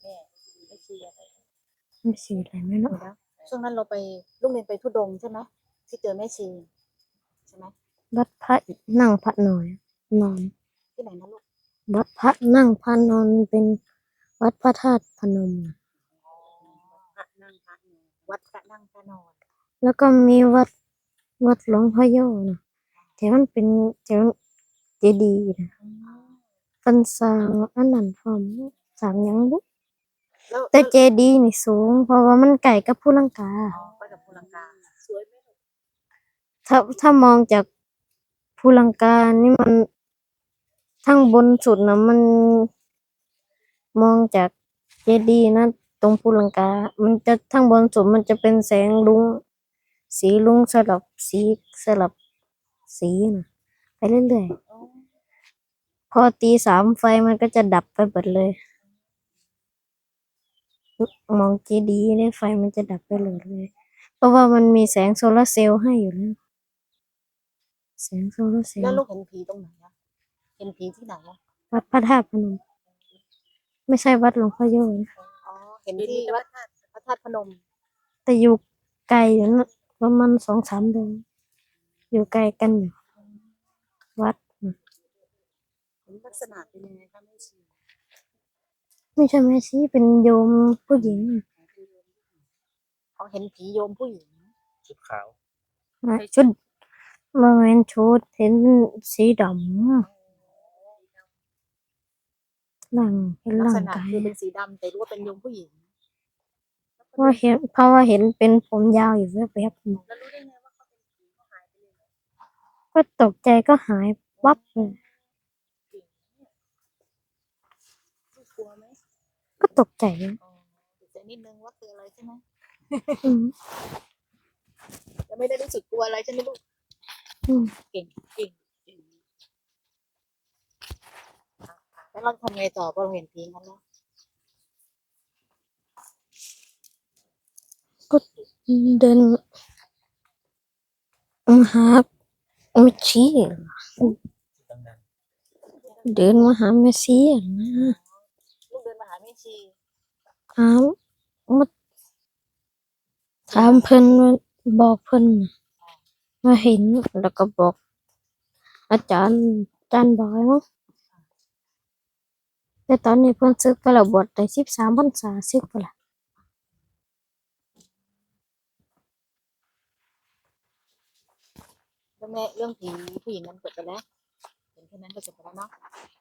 ไม่ชีอะไรไม่ชีอะไรไม่รู้นะช่วงนั้นเราไปลูกเรียนไปทุดงค์ใช่ไหมที่เจอแม่ชีใช่ไหมวัดพระนั่งพระนอนนอนที่ไหนนะลูกวัดพระนั่งพระนอนเป็นวัดพระธาตุพนมนะพระนั่งพระนอนวัดพระนั่งพระนอนแล้วก็มีวัดหลวงพ่อโยนะแต่มันเป็นเจดีย์นะเป็นสร้างอันนั้นพร้อมสร้างหยังบุแล้วแต่เจดีย์นี่สูงเพราะว่ามันใกล้กับภูลังกาไปกับภูลังกาสวยไหมลูกถ้ามองจากภูลังกานี่มันทั้งบนสุดนะมันมองจากเจดีย์นะตรงภูลังกา มันจะทั้งบนสุดมันจะเป็นแสงรุ้งสีรุ้งสลับสีนะไปเรื่อยๆพอตีสามไฟมันก็จะดับไปหมดเลยมองเจดีย์เนี่ยไฟมันจะดับไปเลยเพราะว่ามันมีแสงโซลาร์เซลล์ให้อยู่แล้วแสงโซลาร์เซลแล้วล์ลูกเห็นผีตรงไหนอะเห็นผีที่ไหนอะวัดพระธาตุพนมไม่ใช่วัดหลวงพ่อโยนะอ๋อเห็นที่วัดพระธาตุพนมแต่อยู่ไกลอยู่นะประมาณ2-3 โลอยู่ไกลกันอยู่วัดน่ะเห็นลักษณะเป็นยังไงคะแม่ชีไม่ใช่แม่ชีเป็นโยมผู้หญิงเขาเห็นผีโยมผู้หญิงชุดขาวชุดบริเวณชุดเห็นสีดำหลังเป็นลักร่าษงณะกายคือเป็นสีดำแต่รู้ว่าเป็นโยมผู้หญิงเพราะว่าเห็นเป็นผมยาวอยู่แวบแล้วรู้ได้ไงว่าเขาเป็นผีเขาหายไปเลยๆก็ตกใจก็หายวับเลยลูกกลัวไหมก็ตกใจอ๋อแต่นิดนึงว่าคืออะไรใช่ไหมอืมแล้วไม่ได้รู้สึกกลัวอะไรใช่ไหมลูกอืมเก่งแล้วเราทำไงต่อพอเราเห็นผีงั้นแล้วก็เดินมาหาแม่ชีตั้งนานเดินมาหาแม่ชีอะนะลูกเดินมาหาแม่ชีถามมาถามเพิ่นว่าบอกเพิ่นน่ะว่าเห็นแล้วก็บอกอาจารย์บอยมั้งแต่ตอนนี้เพิ่นศึกไปแล้วบวชได้13 พรรษาศึกไปแล้วเรื่องแม่เรื่องผีผู้หญิงนั้นจบไปแล้วเห็นแค่นั้นก็จบไปแล้วเนาะ